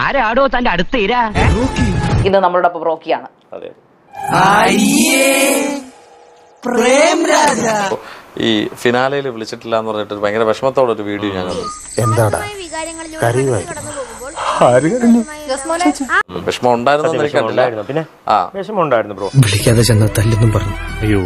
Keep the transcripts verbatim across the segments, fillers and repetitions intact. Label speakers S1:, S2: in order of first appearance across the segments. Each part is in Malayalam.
S1: ആരാടോ തന്റെ അടുത്ത് ഇരാ?
S2: ഇത് നമ്മളോടൊപ്പം റോക്കിയാണ്.
S3: ഈ ഫിനാലയിൽ വിളിച്ചിട്ടില്ല എന്ന് പറഞ്ഞിട്ട് ഭയങ്കര വിഷമത്തോടെ ഒരു വീഡിയോ ഞാൻ കണ്ടു.
S4: എന്താടാ
S3: വിഷമം ഉണ്ടായിരുന്നു എനിക്ക് കണ്ടില്ല.
S5: പിന്നെ
S3: ആ
S5: വിഷമം ഉണ്ടായിരുന്നു ബ്രോ.
S4: വിളിക്കാതെ ചെന്ന തല്ലെന്നും പറഞ്ഞു. അയ്യോ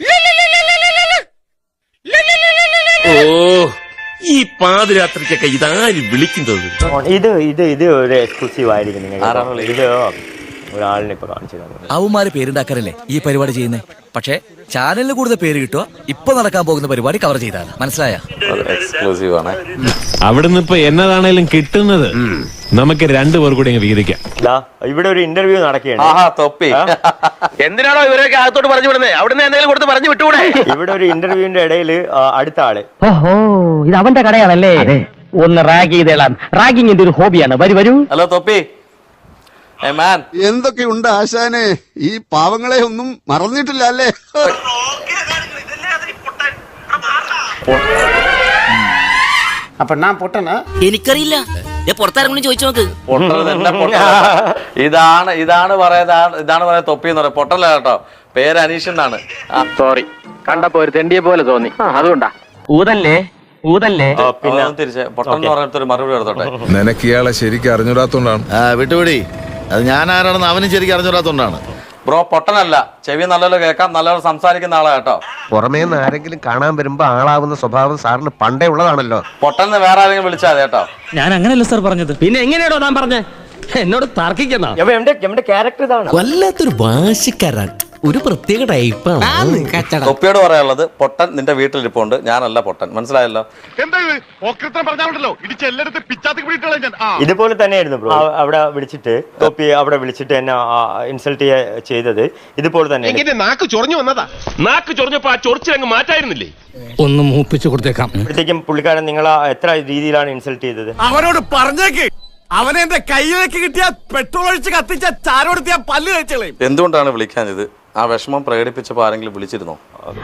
S6: ഓ ഈ പാതിരാത്രിക്കൊക്കെ ഇതാര് വിളിക്കുന്നത്?
S5: ഇത് ഇത് ഇത് ഒരു എക്സ്ക്ലൂസീവ് ആയിരിക്കും നിങ്ങൾ. ഇത് ഒരാളിനെ ഇപ്പൊ കാണിച്ചു തന്നു.
S7: അവന്മാര് പേരുണ്ടാക്കാനല്ലേ ഈ പരിപാടി ചെയ്യുന്നേ. പക്ഷേ ചാനലിന് കൂടുതൽ പേര് കിട്ടുക ഇപ്പൊ നടക്കാൻ പോകുന്ന പരിപാടി കവർ ചെയ്താണ്. മനസ്സിലായ?
S3: എക്സ്ക്ലൂസീവ് ആണ്.
S8: അവിടുന്ന് ഇപ്പൊ എന്നതാണേലും കിട്ടുന്നത് നമുക്ക് രണ്ടുപേർ കൂടി വീതിക്കാം.
S5: ഇവിടെ ഒരു ഇന്റർവ്യൂ നടക്കുകയാണ്.
S3: തൊപ്പി
S6: എന്തിനാണോ ഇവരൊക്കെ അകത്തോട്ട് പറഞ്ഞു വിടുന്നത്? അവിടുന്ന് എന്തെങ്കിലും കൊടുത്ത് പറഞ്ഞു വിട്ടുകൂടെ?
S5: ഇവിടെ ഒരു ഇന്റർവ്യൂവിന്റെ ഇടയിൽ അടുത്ത ആള്
S1: ഓഹോ, ഇത് അവന്റെ കടയാണല്ലേ? ഒന്ന് റാഗ് ചെയ്തേളാം. റാഗിങ്ങിന്റെ ഒരു ഹോബിയാണ്. വരൂ വരൂ.
S3: ഹലോ തൊപ്പി.
S9: എന്തൊക്കെയുണ്ട് ആശാനെ? ഈ പാവങ്ങളെ ഒന്നും മറന്നിട്ടില്ല അല്ലേ?
S4: അപ്പൊ ഞാൻ പൊട്ടനാ?
S7: എനിക്കറിയില്ല. പുറത്താരെങ്കിലും ചോദിച്ചു നോക്ക്.
S3: ഇതാണ് ഇതാണ് പറയുന്നത് ഇതാണ് പറയുന്നത് തൊപ്പി എന്ന് പറയാം. പൊട്ടല്ല കേട്ടോ, പേര് അനീഷ് എന്നാണ്.
S1: സോറി, കണ്ടപ്പോ ഒരു തെണ്ടിയെ പോലെ തോന്നി, അതുകൊണ്ടാ. ഊതല്ലേ ഊതല്ലേ.
S3: പിന്നെ തിരിച്ച് പൊട്ടൻ എന്ന് പറഞ്ഞിട്ട് മറുപടി എടുത്തോട്ടെ.
S9: നിനക്ക് ഇയാളെ ശരിക്കും അറിഞ്ഞൂടാത്തോണ്ടാണ്.
S10: വിട്ടുപിടി, അത് ഞാൻ ആരാണെന്ന് അവനും ശരിക്കും അറിഞ്ഞൂടാത്തോണ്ടാണ്.
S3: ബ്രോ പൊട്ടനല്ല, ചെവി നല്ലപോലെ കേൾക്കാം, നല്ലപോലെ സംസാരിക്കുന്ന ആളാ കേട്ടോ.
S4: പുറമേ നിന്ന് ആരെങ്കിലും കാണാൻ വരുമ്പോ ആളാവുന്ന സ്വഭാവം സാറിന് പണ്ടേ ഉള്ളതാണല്ലോ.
S3: പൊട്ടന്ന് വേറെ ആരെങ്കിലും വിളിച്ചാൽ മതി കേട്ടോ.
S7: ഞാൻ അങ്ങനെയല്ല സാർ പറഞ്ഞത്.
S1: പിന്നെ എങ്ങനെയാണോ താൻ പറഞ്ഞേ? എന്നോട് തർക്കിക്കുന്ന
S5: എന്റെ ക്യാരക്ടർ ഇതാണ്.
S7: വല്ലാത്തൊരു വാശിക്കാരൻ, ഒരു പ്രത്യേക ടൈപ്പാണ്.
S3: തൊപ്പിയോട് പറയാനുള്ളത്, പൊട്ടൻ നിന്റെ വീട്ടിലിരിപ്പുണ്ട്, ഞാനല്ല പൊട്ടൻ. മനസ്സിലായല്ലോ?
S5: ഇതുപോലെ തന്നെയായിരുന്നു ബ്രോ. അവിടെ വിളിച്ചിട്ട് തൊപ്പി അവിടെ വിളിച്ചിട്ട് എന്നെ ഇൻസൾട്ട് ചെയ്തത് ഇതുപോലെ തന്നെ.
S6: നാക്ക് ചൊറിഞ്ഞു വന്നതാ. നാക്ക് ചൊറിഞ്ഞപ്പോ ആ ചൊറിച്ചിലങ്ങ് മാറ്റായിരുന്നില്ലേ?
S7: ഒന്ന് മൂപ്പിച്ചു കൊടുത്തേക്കാം.
S5: അപ്പോഴത്തേക്കും പുള്ളിക്കാരൻ നിങ്ങളെ എത്ര രീതിയിലാണ് ഇൻസൾട്ട് ചെയ്തത്?
S8: അവനോട് പറഞ്ഞേക്ക്, അവനെ എന്റെ കയ്യിലേക്ക് കിട്ടിയ പെട്രോൾ ഒഴിച്ച് കത്തിച്ച ചാരോടുത്തിയ പല്ല് കഴിച്ചളേ.
S3: എന്തുകൊണ്ടാണ് വിളിക്കാഞ്ഞത്? ആ വിഷമം പ്രകടിപ്പിച്ചപ്പോ ആരെങ്കിലും വിളിച്ചിരുന്നോ?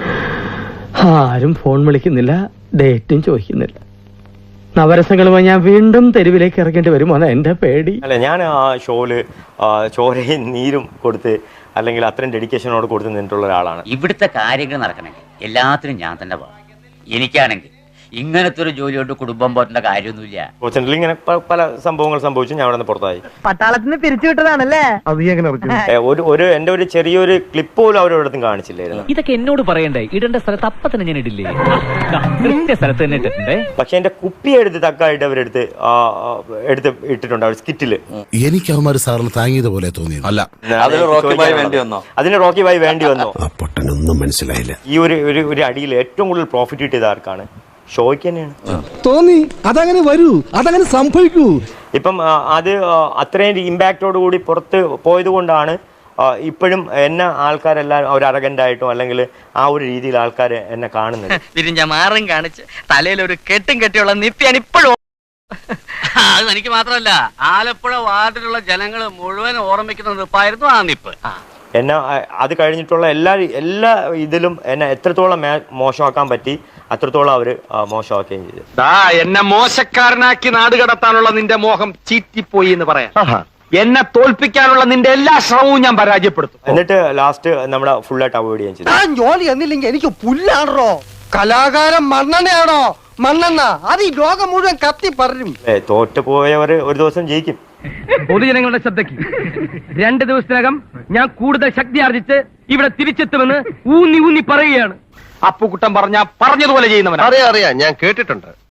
S1: ആരും ഫോൺ വിളിക്കുന്നില്ല, ഡേറ്റും ചോദിക്കുന്നില്ല. നവരസങ്ങളുമായി ഞാൻ വീണ്ടും തെരുവിലേക്ക് ഇറങ്ങേണ്ടി വരുമോ എന്നാ എന്റെ പേടി.
S5: അല്ല, ഞാൻ ആ ഷോയില് ചോരയും നീരും കൊടുത്ത് അല്ലെങ്കിൽ അത്രയും ഡെഡിക്കേഷനോട് കൊടുത്ത് നിന്നിട്ടുള്ള ഒരാളാണ്.
S1: ഇവിടുത്തെ കാര്യങ്ങൾ നടക്കണമെങ്കിൽ എല്ലാത്തിനും ഞാൻ തന്നെ പോകാം. എനിക്കാണെങ്കിൽ ഇങ്ങനത്തെ ഒരു ജോലിയോട്ട് കുടുംബം പോറ്റേണ്ട കാര്യമൊന്നുമില്ല.
S5: കോച്ചന്റിൽ ഇങ്ങനെ പല സംഭവങ്ങൾ സംഭവിച്ചു. ഞാൻ അവിടെ നിന്ന് പുറത്തായി.
S1: പട്ടാളത്തിൽ നിന്ന് പിരിച്ചു വിട്ടതാണല്ലേ?
S5: ഒരു ഒരു എന്റെ ഒരു ചെറിയൊരു ക്ലിപ്പ് പോലും അവരോടത്തും കാണിച്ചില്ലായിരുന്നു.
S1: ഇതൊക്കെ എന്നോട് പറയണ്ടേ? ഇടേണ്ട സ്ഥലത്ത് അപ്പൊ തന്നെ ഞാൻ ഇടില്ലേ? കൃത്യ സ്ഥലത്ത് തന്നെ ഇട്ടിട്ടുണ്ടേ.
S5: പക്ഷെ എന്റെ കുപ്പി എടുത്ത് തക്കായിട്ട് അവരെടുത്ത് എടുത്ത് ഇട്ടിട്ടുണ്ട് അവർ സ്കിറ്റില്.
S10: എനിക്ക് അവന്മാര് സാറിന് താങ്ങിയത് പോലെ തോന്നിയത് അല്ല.
S3: അതിന് റോക്കി ബായ് വേണ്ടി വന്നോ?
S5: അതിന് റോക്കി ബായ് വേണ്ടി വന്നോ?
S10: പൊട്ടനൊന്നും മനസ്സിലായില്ല.
S5: ഈ ഒരു ഒരു അടിയിൽ ഏറ്റവും കൂടുതൽ പ്രോഫിറ്റ് കിട്ടിയത് ആർക്കാണ്? ഷോയ്ക്ക് തന്നെയാണ്.
S4: തോന്നി അതങ്ങനെ വരൂ, അതങ്ങനെ സംഭവിക്കൂ.
S5: ഇപ്പം അത് അത്രയും ഇമ്പാക്റ്റോട് കൂടി പുറത്ത് പോയത് കൊണ്ടാണ് ഇപ്പോഴും എന്നെ ആൾക്കാരെല്ലാം ഒരു അറഗൻ്റായിട്ടോ അല്ലെങ്കിൽ ആ ഒരു രീതിയിൽ ആൾക്കാർ എന്നെ കാണുന്നത്.
S1: തിരിഞ്ഞ മാറും കാണിച്ച് തലയിൽ ഒരു കെട്ടും കെട്ടിയുള്ള നിത്യാണ് ഇപ്പോഴും. അത് എനിക്ക് മാത്രമല്ല, ആലപ്പുഴ വാർഡിലുള്ള ജനങ്ങൾ മുഴുവൻ ഓർമ്മിക്കുന്ന നിപ്പായിരുന്നു ആ നിപ്പ്.
S5: എന്നെ അത് കഴിഞ്ഞിട്ടുള്ള എല്ലാ എല്ലാ ഇതിലും എന്നെ എത്രത്തോളം മോശമാക്കാൻ പറ്റി അത്രത്തോളം അവര് മോശമാക്കുകയും ചെയ്തു.
S6: എന്നെ മോശക്കാരനാക്കി നാട് കടത്താനുള്ള നിന്റെ മോഹം ചീറ്റിപ്പോയി എന്ന് പറയാം. എന്നെ തോൽപ്പിക്കാനുള്ള നിന്റെ എല്ലാ ശ്രമവും ഞാൻ പരാജയപ്പെടുത്തും.
S5: എന്നിട്ട് ലാസ്റ്റ് നമ്മുടെ ഫുള്ളായിട്ട് അവോയ്ഡ് ചെയ്യാൻ ചെയ്തു.
S4: ഞാൻ ജോലി എന്നില്ലെങ്കിൽ എനിക്ക് പുല്ലാണോ? കലാകാരൻ മണ്ണെണ്ണയാണോ? മണ്ണെണ്ണ അത് ഈ ലോകം മുഴുവൻ കത്തി പറയും.
S5: തോറ്റു പോയവർ ഒരു ദിവസം ജയിക്കും.
S1: പൊതുജനങ്ങളുടെ ശ്രദ്ധയ്ക്ക്, രണ്ട് ദിവസത്തിനകം ഞാൻ കൂടുതൽ ശക്തി ആർജിച്ച് ഇവിടെ തിരിച്ചെത്തുമെന്ന് ഊന്നി ഊന്നി പറയുകയാണ്.
S6: അപ്പുകുട്ടൻ പറഞ്ഞ പറഞ്ഞതുപോലെ ചെയ്യുന്നവൻ.
S10: അറിയാം അറിയാം, ഞാൻ കേട്ടിട്ടുണ്ട്.